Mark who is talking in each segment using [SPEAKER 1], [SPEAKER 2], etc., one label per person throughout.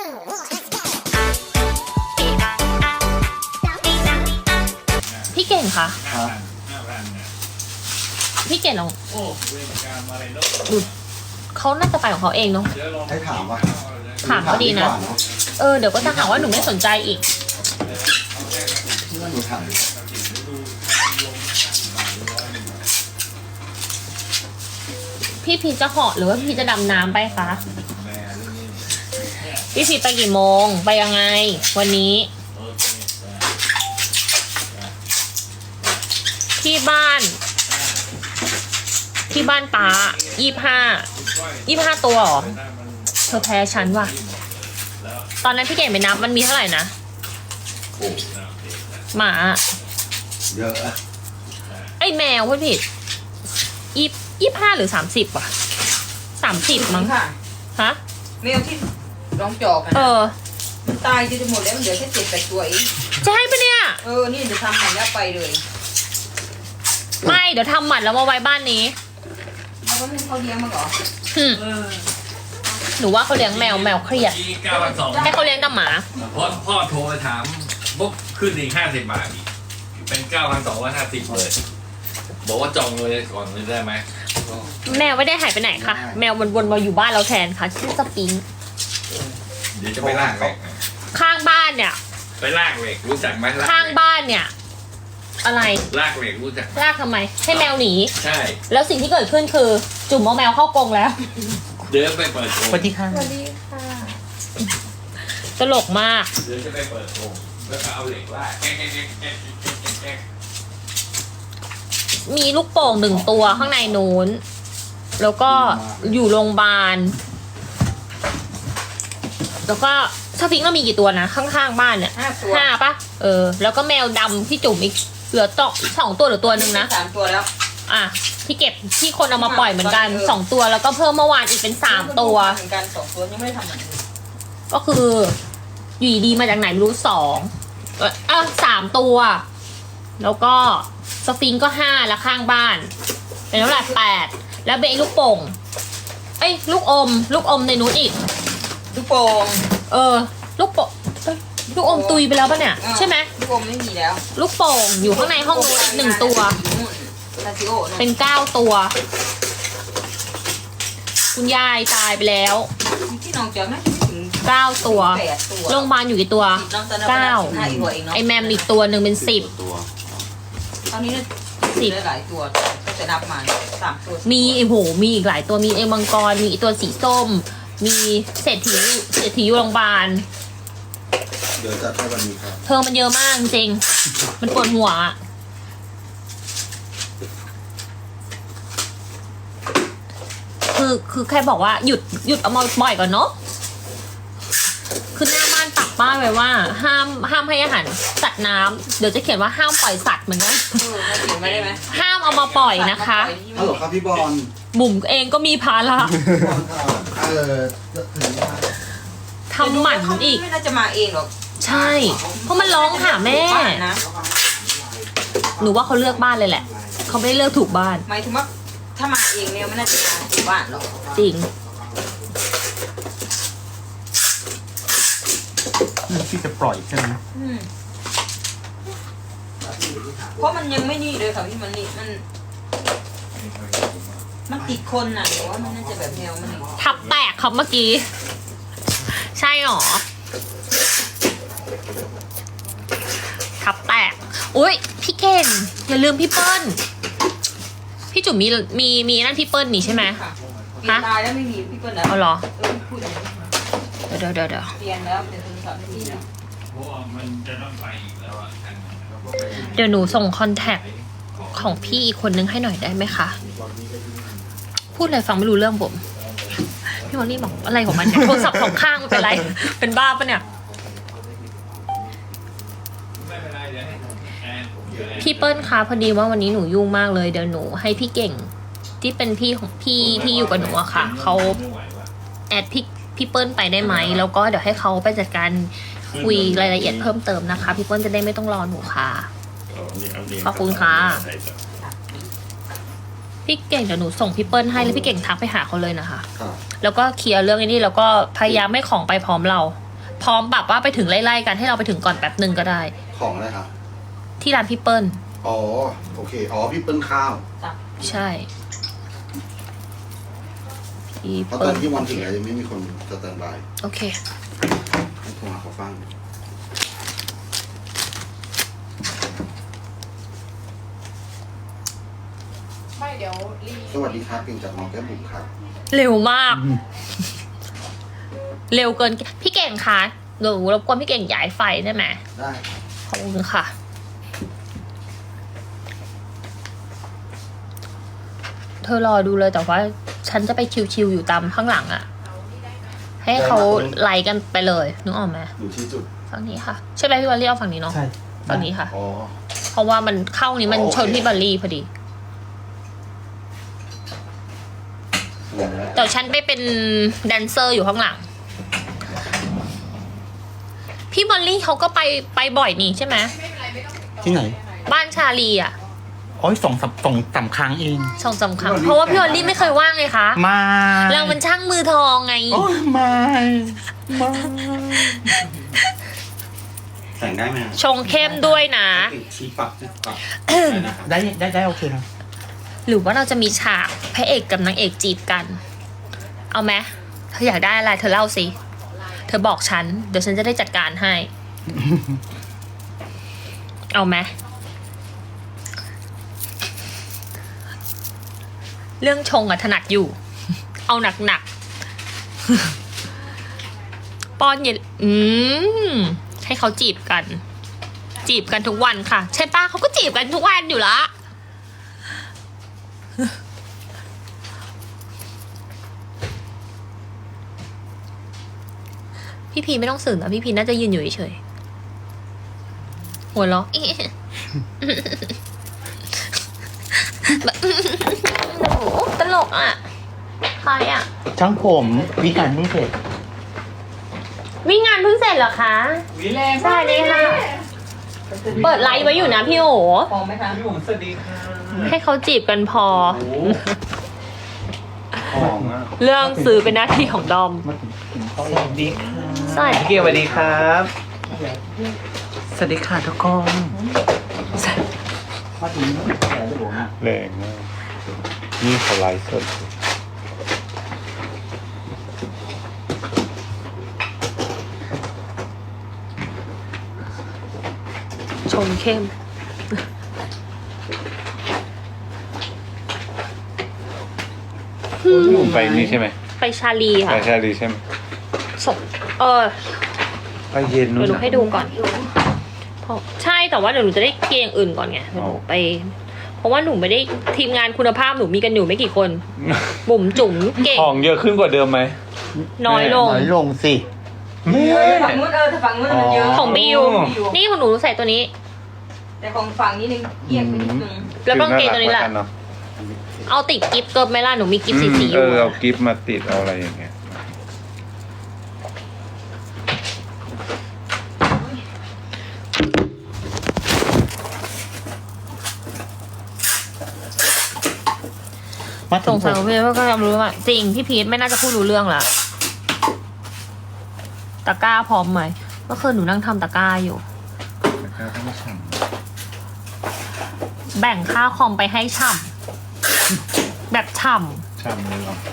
[SPEAKER 1] พี่เก่งคะ
[SPEAKER 2] ครับ
[SPEAKER 1] พี่เก่งลองดูเขาน่าจะไปของเขาเองเนาะ
[SPEAKER 2] ให้ถามว่า
[SPEAKER 1] ถามก็ดีนะ เดี๋ยวก็จะหาว่าหนูไม่สนใจอีก
[SPEAKER 2] ที่ว่าหนูถาม
[SPEAKER 1] พี่พีจะเหาะหรือว่าพี่จะดำน้ำไปคะพี่พีไปกี่โมงไปยังไง วันนี้ ที่บ้านตา25ตัวเหรอเธอแพ้ฉันว่ะตอนนั้นพี่เก่งไปนับมันมีเท่าไหร่นะหมา
[SPEAKER 2] เยอะอะ
[SPEAKER 1] ไอแมวพูดผิด25หรือ30ว่ะ30มั้ง
[SPEAKER 3] ค่ะ
[SPEAKER 1] ฮะ
[SPEAKER 3] แมวที่ร้องจอกกันมันตายจะหมดแล้วมันเหลือแค่7-8ตัวเอง
[SPEAKER 1] จะให้ปะเนี่ย
[SPEAKER 3] นี่จะทำใหม่แล้วไปเลย
[SPEAKER 1] ไม่เดี๋ยวทำหมันแล้วมาไว้บ้านนี้
[SPEAKER 3] เขาก็ไม่ให้เขาเลี้ยงมาหรอ
[SPEAKER 1] หนูว่าเขาเลี้ยงแมวเครียด
[SPEAKER 4] ที่9,200
[SPEAKER 1] ให้เขาเลี้ยงแต่หมา
[SPEAKER 4] พ่อโทรไปถามปุ๊บขึ้นอีก50 บาทอีกเป็น 9,250เลยบอกว่าจองเลยก่อนเลยได้ไหม
[SPEAKER 1] แมวไม่ได้หายไปไหนค่ะแมวมันวนมาอยู่บ้านเราแทนค่ะชื่อสปิงค์
[SPEAKER 4] เดี๋ยวจะไปลากเหล็ก
[SPEAKER 1] ข้างบ้านเนี่ย
[SPEAKER 4] ไปลากเหล็กรู้จักไหมลาก
[SPEAKER 1] ข้างบ้านเนี่ย อะไร
[SPEAKER 4] ลากเหล็กรู้จัก
[SPEAKER 1] ลากทำไม ให้แมวหนี
[SPEAKER 4] ใช่
[SPEAKER 1] แล้วสิ่งที่เกิดขึ้นคือ จุ่มเอาแมวเข้ากรงแล้ว
[SPEAKER 4] เดินไปเปิดโอ่ง
[SPEAKER 1] สวัสดีค่ะตลกมาก
[SPEAKER 4] เดินจะไปเปิดโอ่งแล้วก็เอาเหล็กลาก
[SPEAKER 1] มีลูกโป่ง1 ตัวข้างในนู้น แล้วก็อยู่โรงพยาบาล แล้วก็สฟิงค์ก็มีกี่ตัวนะ ข้างๆบ้านเนี่ย
[SPEAKER 3] 5 ตัว
[SPEAKER 1] 5ปะแล้วก็แมวดำที่จุ่มอีกเหลือ2 ตัวหรือตัวหนึ่งนะ
[SPEAKER 3] 3 ตัวแล้ว
[SPEAKER 1] ที่เก็บที่คนเอามาปล่อยเหมือนกัน2 ตัวแล้วก็เพิ่มเมื่อวานอีกเป็น3 ตัว
[SPEAKER 3] เหมือนกัน2 ตัวยังไม่ได้ทำเหมือนกัน
[SPEAKER 1] ก็คืออยู่ดีๆมาจากไหนไม่รู้3 ตัว แล้วก็สฟิงค์ก็5แล้วข้างบ้านเป็นเท่าไหร่8แล้วเบนลูกโป่งลูกอมในนู้นอีก
[SPEAKER 3] ลูกโป่ง
[SPEAKER 1] ลูกโป่งลูกอมตุยไปแล้วปะเนี่ยใช่ไหม
[SPEAKER 3] ลูกโป่งไม่มีแล้ว
[SPEAKER 1] ลูกโป่งอยู่ข้างในห้องนู้นอีก1 ตัว
[SPEAKER 3] ลาซิโอ
[SPEAKER 1] เป็น9 ตัว คุณยายตายไปแล้ว
[SPEAKER 3] ที่น้องจอกนะถึง
[SPEAKER 1] 9 ตัว
[SPEAKER 3] 8 ตัว
[SPEAKER 1] โรงพยาบาลอยู่กี่ตัว
[SPEAKER 3] น้องตอนนั้น
[SPEAKER 1] 9
[SPEAKER 3] อีกตัวเองเนาะ
[SPEAKER 1] ไอแมมอีกตัวหนึ่งเป็น10
[SPEAKER 2] ตัว
[SPEAKER 3] ตอนนี้ได้หลายตัวก็จะนับมา3 ตัว
[SPEAKER 1] มีมีอีกหลายตัวมีไอมังกรมีไอ้ตัวสีส้ม มีเศรษฐีอยู่โรงพยาบาล
[SPEAKER 2] เดี๋ยวจัดให้วันนี้ครับ
[SPEAKER 1] เธอมันเยอะมากจริงมันปวดหัวอะคือแค่บอกว่าหยุดเอามาปล่อยก่อนเนาะคือหน้าบ้านปักป้ายไว้ว่า ห้ามให้อาหารสัตว์น้ำเดี๋ยวจะเขียนว่าห้ามปล่อยสัตว์เหมือนกัน
[SPEAKER 3] มาถึงไม่ได้ไหม
[SPEAKER 1] ห้ามเอามาปล่อยนะคะ
[SPEAKER 2] ฮัลโหลครับพี่บอล
[SPEAKER 1] บุ๋มเองก็มีภาระ
[SPEAKER 2] พี่บอลครับถึงว่า
[SPEAKER 1] ทำหมันอีก
[SPEAKER 3] ไม่น่าจะมาเองหรอก
[SPEAKER 1] ใช่ เพราะมันร้องหาแม่
[SPEAKER 3] นะ
[SPEAKER 1] หนูว่าเขาเลือกบ้านเลยแหละ เขาไม่ได้เลือกถูกบ้าน
[SPEAKER 3] หมายถึงว่าถ้ามาเองเนี่ยไม่น่าจะมาถึงบ้านหรอก
[SPEAKER 1] จริง
[SPEAKER 5] ที่จะปล่อยใช่ไหม
[SPEAKER 3] เพราะมันยังไม่นี่เลยค่ะพี่มันนี่มันติดคนน่ะหรือว่ามันน่าจะแบบแนวมันนี่
[SPEAKER 1] ทับแตกครับเมื่อกี้ ใช่หรอ ทับแตก อุ้ยพี่เก่งอย่าลืมพี่เปิ้ล พี่จุ๋มมีนั่นพี่เปิ้ลนี่ใช่ไหม
[SPEAKER 3] ค่ะเปลี่ยนตายแล้วไม่มีพี่เปิ้ลแล้ว
[SPEAKER 1] เอาเหรอ
[SPEAKER 3] พูดอย่างนี้
[SPEAKER 1] เดี๋ยว
[SPEAKER 3] เปลี่ยนแล้วเปลี่ยนโทรศัพท์ไม่มีแล้ว
[SPEAKER 4] เพราะว่ามันจะต้องไปอีกแล้วอ่ะทางนั้น
[SPEAKER 1] เดี๋ยวหนูส่งคอนแทคของพี่อีกคนนึงให้หน่อยได้ไหมคะ พูดอะไรฟังไม่รู้เรื่องผม พี่มอลลี่บอกอะไรของมันเนี่ยโทรศัพท์สองข้างมันเป็นไร เป็นบ้าปะเนี่ย
[SPEAKER 4] ไม่เป็นไรเดี๋ยวให้แอนเดี๋ยวแอน
[SPEAKER 1] พี่เปิ้ลคะพอดีว่าวันนี้หนูยุ่งมากเลยเดี๋ยวหนูให้พี่เก่ง ที่เป็นพี่ของพี่ที่อยู่กับหนูอะค่ะเขา
[SPEAKER 4] ไม่ไหวว่ะ
[SPEAKER 1] แอดพี่เปิ้ลไปได้ไหมแล้วก็เดี๋ยวให้เขาไปจัดการคุยรายละเอียดเพิ่มเติมนะคะ พี่เปิ้ลจะได้ไม่ต้องรอหนูค่ะ ขอบคุณค่ะ พี่เก่งเดี๋ยวหนูส่งพี่เปิ้ลให้แล้วพี่เก่งทักไปหาเขาเลยนะคะ
[SPEAKER 2] ครับ
[SPEAKER 1] แล้วก็เคลียร์เรื่องนี้แล้วก็พยายามไม่ของไปพร้อมเราพร้อมแบบว่าไปถึงไล่ๆกันให้เราไปถึงก่อนแป๊บหนึ่งก็ได้
[SPEAKER 2] ของอะไรครับ
[SPEAKER 1] ที่ร้านพี่เปิ้ล
[SPEAKER 2] อ๋อโอเคอ๋อพี่เปิ้ลข้าว
[SPEAKER 1] ใช่พี่
[SPEAKER 2] เพราะต
[SPEAKER 1] เปิ้
[SPEAKER 2] อ
[SPEAKER 1] ล
[SPEAKER 2] นที่วันถึงแล้วยังไม่มีคนสแตนบาย
[SPEAKER 1] โอเค
[SPEAKER 2] ให้โทรหาเขาฟัง
[SPEAKER 3] ไม่เดี๋ยวรี
[SPEAKER 2] สวัสดีครับเก่งจากน้องแก้มบุ๋มครับ
[SPEAKER 1] เร็วมาก เร็วเกินพี่เก่งคะหนูรบกวนพี่เก่งย้ายไฟได้ไหม
[SPEAKER 2] ได้
[SPEAKER 1] ขอบคุณค่ะ เธอรอดูเลยแต่ว่าฉันจะไปชิวๆอยู่ตามข้างหลังอะให้เขาไล่กันไปเลยนึกออกไหม
[SPEAKER 2] อยู่ที่จุด
[SPEAKER 1] ฝั่งนี้ค่ะใช่ไหมพี่บอลลี่เอาฝั่งนี้เนาะ
[SPEAKER 5] ใช่
[SPEAKER 1] ฝั่งนี้ค่ะ
[SPEAKER 2] อ๋อ
[SPEAKER 1] เพราะว่ามันเข้านี้มัน
[SPEAKER 2] โอเค
[SPEAKER 1] ชนพี่บอลลี่พอดีแต่ฉันไปเป็นแดนเซอร์อยู่ข้างหลัง พี่บอลลี่เขาก็ไปบ่อยนี่ใช่ไหม
[SPEAKER 5] ที่ไหน
[SPEAKER 1] บ้านชาลีอ่ะ
[SPEAKER 5] โอ้ยสองครั้งเอง
[SPEAKER 1] สองสามครั้งเพราะว่าพี่บอลลี่ไม่เคยว่างไงคะ
[SPEAKER 5] มา
[SPEAKER 1] เรามันช่างมือทองไง
[SPEAKER 5] โอ้ยไม่ไม่
[SPEAKER 2] แต่งได้ไหม
[SPEAKER 1] ชงเข้มด้วยนะ
[SPEAKER 2] ชี้ปักปักนะครับ
[SPEAKER 5] ได้โอเคนะ
[SPEAKER 1] หรือว่าเราจะมีฉากพระเอกกับนางเอกจีบกัน เอาไหมเธออยากได้อะไรเธอเล่าสิ เธอบอกฉัน เดี๋ยวฉันจะได้จัดการให้ เอาไหมเรื่องชงอะถนัดอยู่ เอาหนักๆ ป้อนเย็นให้เขาจีบกัน จีบกันทุกวันค่ะ ใช่ป้าเขาก็จีบกันทุกวันอยู่ละ พี่พีไม่ต้องสื่อนะพี่พีน่าจะยืนอยู่เฉยๆหัวเราะ แบบโอ้โหตลกอ่ะใครอ่ะ
[SPEAKER 5] ช่างผมวิการเพิ่งเสร็จ
[SPEAKER 1] วิ่งงานเพิ่งเสร็จเหรอคะ
[SPEAKER 3] วิแรง
[SPEAKER 1] ใช่เลยค่ะ เปิดไลฟ์ไว้อยู่นะพี่โอ
[SPEAKER 3] พอไหมคะ
[SPEAKER 4] พี่ผมสวัสดีค่ะ
[SPEAKER 1] ให้เขาจีบกันพอ
[SPEAKER 4] ของอ่ะ
[SPEAKER 1] เรื่องซื้อเป็นหน้าที่ของดอม
[SPEAKER 5] สวัสดีค่ะ
[SPEAKER 1] ใช่
[SPEAKER 4] พี่เกียวสวัสดีครับ
[SPEAKER 5] สวัสดีค่ะทุกคน
[SPEAKER 6] แรงมากนี่เขาไลฟ์สด
[SPEAKER 1] ชงเข้ม
[SPEAKER 6] พี่ผมไปนี่ใช่ไหม
[SPEAKER 1] ไปชาลี
[SPEAKER 6] ไป
[SPEAKER 1] ค่ะ
[SPEAKER 6] ใช่ดีใช่ไหม
[SPEAKER 1] ส่ง
[SPEAKER 6] ไปเย็นนู้
[SPEAKER 1] เดี๋ย
[SPEAKER 6] น
[SPEAKER 1] วหนูให้ดูก่อนเพราะใช่แต่ว่าเดี๋ยวหนูจะได้เกงอื่นก่อนไงเดี๋ยวหนูไป เพราะว่าหนูไม่ได้ทีมงานคุณภาพหนูมีกันอยู่ไม่กี่คน บุ๋มจุ๋มเก่ง
[SPEAKER 6] ของเยอะขึ้นกว่าเดิมไหม
[SPEAKER 1] น้อยลง
[SPEAKER 5] น้อยลงสิ
[SPEAKER 3] ฝั่งนู้นถ้าฝั่งนู้นมันเยอะ
[SPEAKER 1] ของบิว นี่ของหนูใส่ตัวนี้
[SPEAKER 3] แต่ของฝั่งนี้นึงเอียงไปนิดนึง
[SPEAKER 1] แล้วกางเกงตัวนี้แหละ
[SPEAKER 6] คือน่ารักกว่ากันเนอะ
[SPEAKER 1] เอาติดกิฟต์เกิบไหมล่ะหนูมีกิฟต์สีๆอ
[SPEAKER 6] เอยู่ อเอากิฟต์มาติดเอาอะไรอย่างเงี้ย
[SPEAKER 5] มา
[SPEAKER 1] สงสัยว่าพี่ว่าก็รู้ว่าจริงพี่พีทไม่น่าจะพูดรู้เรื่องละตะกร้าพร้อมไหมเมื่อคืนหนูนั่งทำตะกร้าอยู่
[SPEAKER 6] แล้วก็ไม่ฉ่
[SPEAKER 1] แบ่งค่าคอมไปให้ฉ่ำแบบฉ่
[SPEAKER 6] ำฉ่ำเลยเหรอ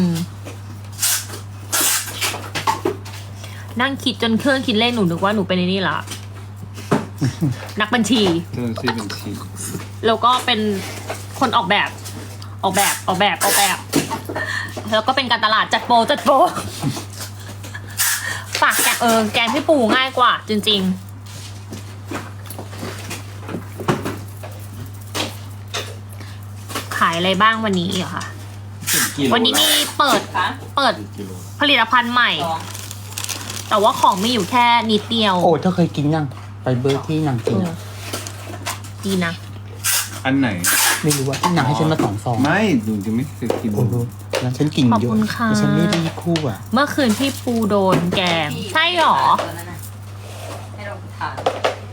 [SPEAKER 1] นั่งคิดจนเครื่องคิดเลขหนูนึกว่าหนูเป็นไอ้นี่ละ นักบัญชี
[SPEAKER 6] เรื่องที่เป็นชี
[SPEAKER 1] แล้วก็เป็นคนออกแบบ แล้วก็เป็นการตลาดจัดโปรฝากแกงพี่ปูง่ายกว่า จริงๆ ขายอะไรบ้างวันนี้เหรอคะ วันนี้มีเปิด
[SPEAKER 3] คะ
[SPEAKER 2] กิโล
[SPEAKER 1] ผลิตภัณฑ์ใหม่
[SPEAKER 3] สอง
[SPEAKER 1] แต่ว่าของมีอยู่แค่นิดเดียว
[SPEAKER 5] โอ้เธอเคยกินยังไปเบอร์ที่นางกินอะ
[SPEAKER 1] ดีนะ
[SPEAKER 6] อันไหน
[SPEAKER 5] ไม่รู้ว่าที่นางให้ฉันมา2 ซอง
[SPEAKER 6] ไม่ดูจะไม่เคยกิน
[SPEAKER 5] โอ้โหแล้วฉันกิน
[SPEAKER 1] ขอบ
[SPEAKER 5] เยอะ
[SPEAKER 1] คุณค่ะ
[SPEAKER 5] แต่ฉันไม่ได้คู่อ่ะ
[SPEAKER 1] เมื่อคืนพี่ปูโดนแกง ใช่หรอ
[SPEAKER 3] ตัวนั้นน่ะให้เราทาน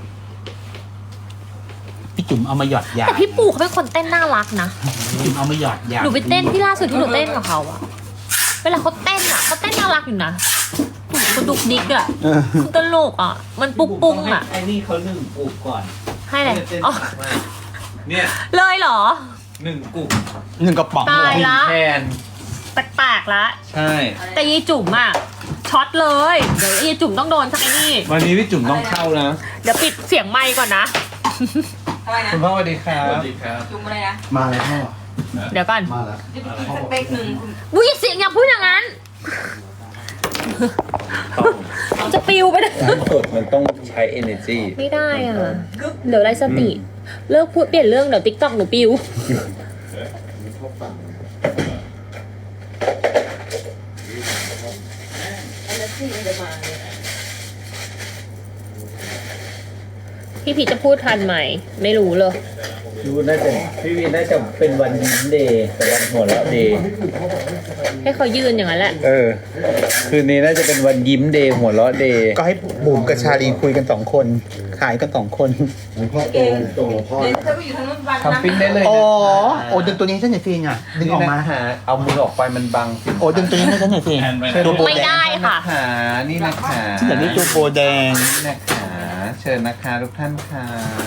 [SPEAKER 5] พี่จุ๋มเอามาหยอดยา
[SPEAKER 1] แต่พี่ปูเขาเป็นคนเต้นน่ารักนะ
[SPEAKER 5] พี่จุ๋มเอามาหยอดยา
[SPEAKER 1] หนูไปเต้นที่ล่าสุดที่หนูเต้นกับเขาอะเวลาเขาเต้นอะเขาเต้นน่ารักอยู่นะหนูคุณดุกดิกอ่ะคุณตลกอ่ะ มันปุ้งปุ้งอ่ะ
[SPEAKER 5] ไอ้นี่เขานึ่งปลูกก่อน
[SPEAKER 1] ให้เลย
[SPEAKER 4] เส้น
[SPEAKER 1] อ๋อ
[SPEAKER 4] มากเนี่ย
[SPEAKER 1] เลยเหรอ
[SPEAKER 4] 1 กลุ่ม
[SPEAKER 5] 1 กระป๋อง
[SPEAKER 1] ตายละ
[SPEAKER 4] แทน
[SPEAKER 1] แปลกๆละ
[SPEAKER 4] ใช่
[SPEAKER 1] แต่ยีจุ๋มอ่ะช็อตเลย เดี๋ยวยีจุ๋มต้องโดนสักไอ้นี่
[SPEAKER 4] วันนี้พี่จุ๋มต้องเข้านะ
[SPEAKER 1] เดี๋ยวปิดเสียงไมค์ก่อนนะ
[SPEAKER 3] ทำไมนะ
[SPEAKER 4] คุณพ่อสวัสดีครับสวัสดีครับ
[SPEAKER 3] จุ่มอะไรนะ
[SPEAKER 2] มาแล้วพ่อ
[SPEAKER 1] เดี๋ยวก่อน
[SPEAKER 2] มาแล้ว
[SPEAKER 3] จะไปกินสเต็กหนึ่งคุณ
[SPEAKER 1] วุ้ยเสียงอย่าพูดอย่างนั้น จะปิวไปเลย
[SPEAKER 4] สดมันต้องใช้ energy
[SPEAKER 1] ไม่ได้อ่ะ เดี๋ยวไรสติ เลิกพูดเปลี่ยนเรื่องเดี๋ยวติ๊กต็อกหนูปิว พี่พีชจะพูดทันไหม ไม่รู้เลย
[SPEAKER 5] ดูน่าจะพี่วีน่าจะเป็นวันยิ้มเดย์แต่วันหัวเราะเดย์
[SPEAKER 1] ให้เขายืนอย่างนั้นแหละ
[SPEAKER 5] คืนนี้น่าจะเป็นวันยิ้มเดย์หัวเราะเดย์ก็ให้บุ๋มกับชาลีคุยกัน2 คนขายกัน2 คน
[SPEAKER 2] พ่อตรงพ่อ
[SPEAKER 3] เดี๋ยวเธอไปอยู่ทางนู้นวัน
[SPEAKER 4] ทำปิ้งได้เลย
[SPEAKER 5] อ๋อ
[SPEAKER 4] นะ
[SPEAKER 5] โอ้ดึงตัวนี้ให้ฉันหน่อยสิอ่ะดึงออกมา
[SPEAKER 4] หาเอามือออกไปมันบังสิ
[SPEAKER 5] โอ้ดึงตัวนี้ให้ฉันหน่อยสิตัวโบ
[SPEAKER 1] ไม่
[SPEAKER 5] แด
[SPEAKER 1] ได้
[SPEAKER 5] ง
[SPEAKER 1] ค่ะ
[SPEAKER 4] ขานี่นะคะ
[SPEAKER 5] ฉันอยากได้ตัวโบแดง
[SPEAKER 4] นี่นะคะเชิญนะคะทุกท่านค่ะ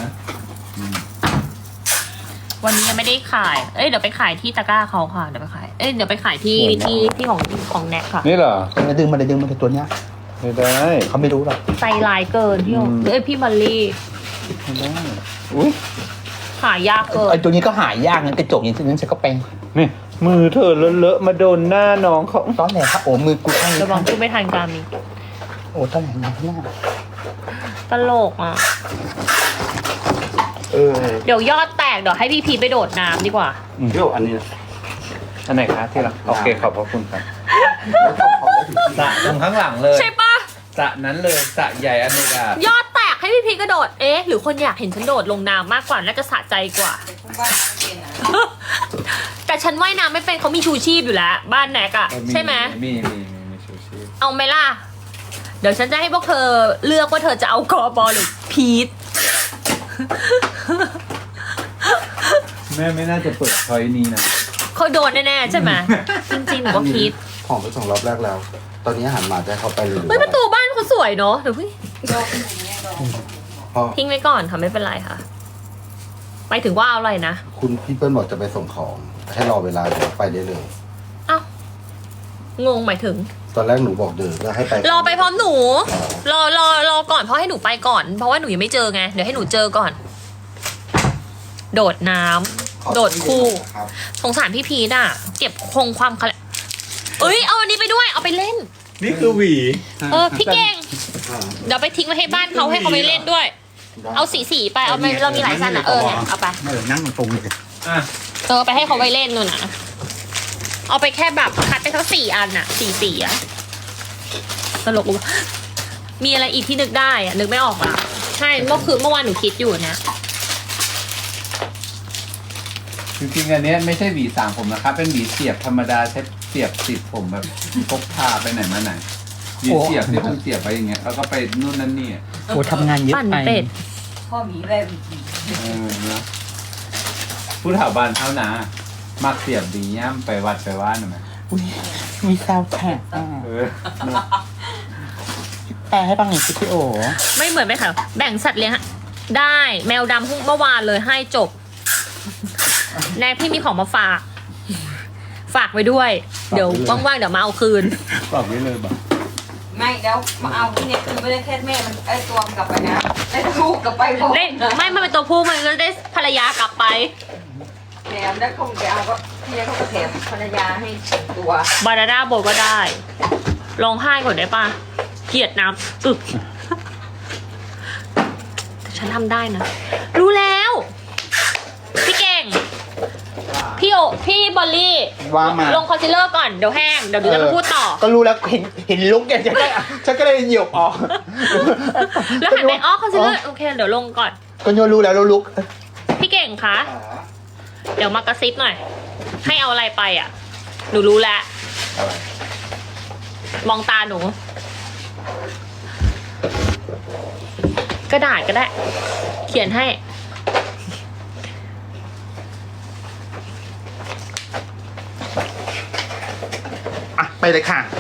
[SPEAKER 1] วันนี้ยังไม่ได้ขาย เอ้ยเดี๋ยวไปขายที่ตะกร้าเขาค่ะ เดี๋ยวไปขาย เอ้ยเดี๋ยวไปขายที่ของแน็กค่ะ
[SPEAKER 4] นี่เหรอ
[SPEAKER 5] ดึงมาเลยดึงมาเลยตัวเนี้ย
[SPEAKER 4] ไม่ได้
[SPEAKER 5] เขาไม่รู้หรอก
[SPEAKER 1] ใจลายเกินพี่โอเอ้ยพี่มอลลี่
[SPEAKER 4] ไม่ได้อุ้ย
[SPEAKER 1] ขายยากเกิน
[SPEAKER 5] ไอ้ตัวนี้ก็หายากงั้นกระจกอย่างนี้ฉันก็เป็น
[SPEAKER 4] นี่มือเธอเลอะๆมาโดนหน้าน้องเขา
[SPEAKER 5] ตอนแหนครับโอ้มือกูข้างนี้
[SPEAKER 1] ระวังพูดไม่ทันการมี
[SPEAKER 5] โอ้ตอนแหนนะหน้า
[SPEAKER 1] ตลกอ่ะ
[SPEAKER 2] เออ
[SPEAKER 1] เดี๋ยวยอดแตกเดี๋ยวให้พี่พีไปโดดน้ำดีกว่า
[SPEAKER 2] เดี๋ยวอันนี้
[SPEAKER 4] อันไหนคะที่รักโอเคขอบพระคุณครับสระตรงข้างหลังเลย
[SPEAKER 1] ใช่ปะ
[SPEAKER 4] สระนั้นเลยสระใหญ่อเนกาย
[SPEAKER 1] อดแตกให้พี่พีกระโดด เอ๊ะ หรือคนอยากเห็นฉันโดดลงน้ำมากกว่า น่าจะสะใจกว่า
[SPEAKER 3] คุณบ้านเย็นนะ
[SPEAKER 1] แต่ฉันว่ายน้ำไม่เป็นเขามีชูชีพอยู่แล้ว บ้านแนกอะใช่ไหม
[SPEAKER 4] มีชูชีพ
[SPEAKER 1] เอาไหมล่ะ เดี๋ยวฉันจะให้พวกเธอเลือกว่าเธอจะเอากอบอลหรือพีท
[SPEAKER 4] แม่ไม่น่าจะเปิดพอยนี้นะ
[SPEAKER 1] เขาโดนแน่ๆใช่ไหม จริงๆหนูก็พีท
[SPEAKER 2] ของไป2 รอบแรกแล้ว ตอนนี้อาหารหมาจะให้เขาไปเลย
[SPEAKER 1] เฮ้ยประตูบ้านเขาสวยเนาะเดี๋ยวพี่
[SPEAKER 3] โยกอย่างเงี้ยโยก
[SPEAKER 2] พ่อ
[SPEAKER 1] ทิ้งไว้ก่อนค่ะไม่เป็นไรค่ะไปถึงว่าเอาอะไรนะ
[SPEAKER 2] คุณพี่เปิ้ลบอกจะไปส่งของ ให้รอเวลาเดี๋ยวไปได้เลย
[SPEAKER 1] เอ้า งงหมายถึง
[SPEAKER 2] ตอนแรกหนูบอกเดินแล้วให้ไป
[SPEAKER 1] รอไปพร้อมหนู รอก่อนเพราะให้หนูไปก่อน เพราะว่าหนูยังไม่เจอไง เดี๋ยวให้หนูเจอก่อน โดดน้ำโดดคู่
[SPEAKER 2] ครับ
[SPEAKER 1] สงสารพี่พีทอ่ะ เก็บคงความคละเอ้ย เอาอันนี้ไปด้วย เอาไปเล่น
[SPEAKER 4] นี่คือหวี
[SPEAKER 1] พี่เก่ง เดี๋ยวไปทิ้งไว้ให้บ้านเขาให้เขาไปเล่นด้วย เอาสีไป เอาไปเรามีหลายสั้นอ่ะ เนี่ยเอาไป
[SPEAKER 5] นั่งตรงเลย
[SPEAKER 4] อ่ะ
[SPEAKER 1] ไปให้เขาไปเล่นนู่นนะเอาไปแค่แบบคัดไปทั้ง4 อันอ่ะสีอ่ะตลกว่ะมีอะไรอีกที่นึกได้อ่ะ นึกไม่ออกอ่ะ ใช่เมื่อวานหนูคิดอยู่นะ
[SPEAKER 4] จริงๆอันเนี้ยไม่ใช่หวีสางผมนะครับ เป็นหวีเสียบธรรมดาใช้เสียบติดผมแบบพกพาไปไหนมาไหนหวีเสียบที่มันเสียบไปอย่างเงี้ยแล้วก็ไปนู่นนั่นนี่
[SPEAKER 5] โอ้ทำงานเยอะ
[SPEAKER 1] ปั่น
[SPEAKER 5] ไป
[SPEAKER 1] เป็ด
[SPEAKER 3] พ่อหมีแบบ
[SPEAKER 4] นะผู้ถาวบานเท่านามักเสียบหวีย่ำไปวัดไปว่านหน่อยไหม
[SPEAKER 5] อุ้ยมีซาวด์แท็กอ่ะ
[SPEAKER 4] เนอะ
[SPEAKER 5] แปลให้ฟังหน่อยสิพี่โอ
[SPEAKER 1] ไม่เหมือนไหมคะแบ่งสัตว์เลี้ยงได้แมวดำเมื่อวานเลยให้จบแนกพี่มีของมาฝาก ฝากไว้ด้วย เดี๋ยวว่างๆเดี๋ยวมาเอาคืน
[SPEAKER 4] ตอบไว้เลยบ่
[SPEAKER 3] ไม่เดี๋ยวมาเอาที่เนี่ยคือไม่ได้แค่แม่มันไอ้ตัวมันกลับไปนะได้ลูกกลับไปพร้อม
[SPEAKER 1] เล่นไม่มันเป็นตัวผู้มันก็ได้ภรรยากลับไป
[SPEAKER 3] แถมได้คงไปเอาก็ที่เนี่ยเขาก็แถมภรรยาให้ตัว
[SPEAKER 1] บานาน่าโบก็ได้ร้องไห้ก่อนได้ปะเกลียดน้ำอึกแต่ฉันทำได้นะ รู้แล้ว พี่เก่ง พี่บอลลี่
[SPEAKER 5] ว่ามา
[SPEAKER 1] ลงคอนซีลเลอร์ก่อน เดี๋ยวแห้ง เดี๋ยวจะมาพูดต่อ
[SPEAKER 5] ก็รู้แล้วเห็นลุกเนี่ยฉันก็เลยเหยียบออก
[SPEAKER 1] แล้วหันไปอ๋อคอนซีลเลอร์โอเค เดี๋ยวลงก่อน
[SPEAKER 5] ก็โยรู้แล้วลุก
[SPEAKER 1] พี่เก่งคะ เดี๋ยวมากระซิบหน่อย ให้เอาอะไรไปอ่ะ หนูรู้แล้ว มองตาหนู กระดาษก็ได้ เขียนให้
[SPEAKER 5] อ่ะไปเลยค่ะ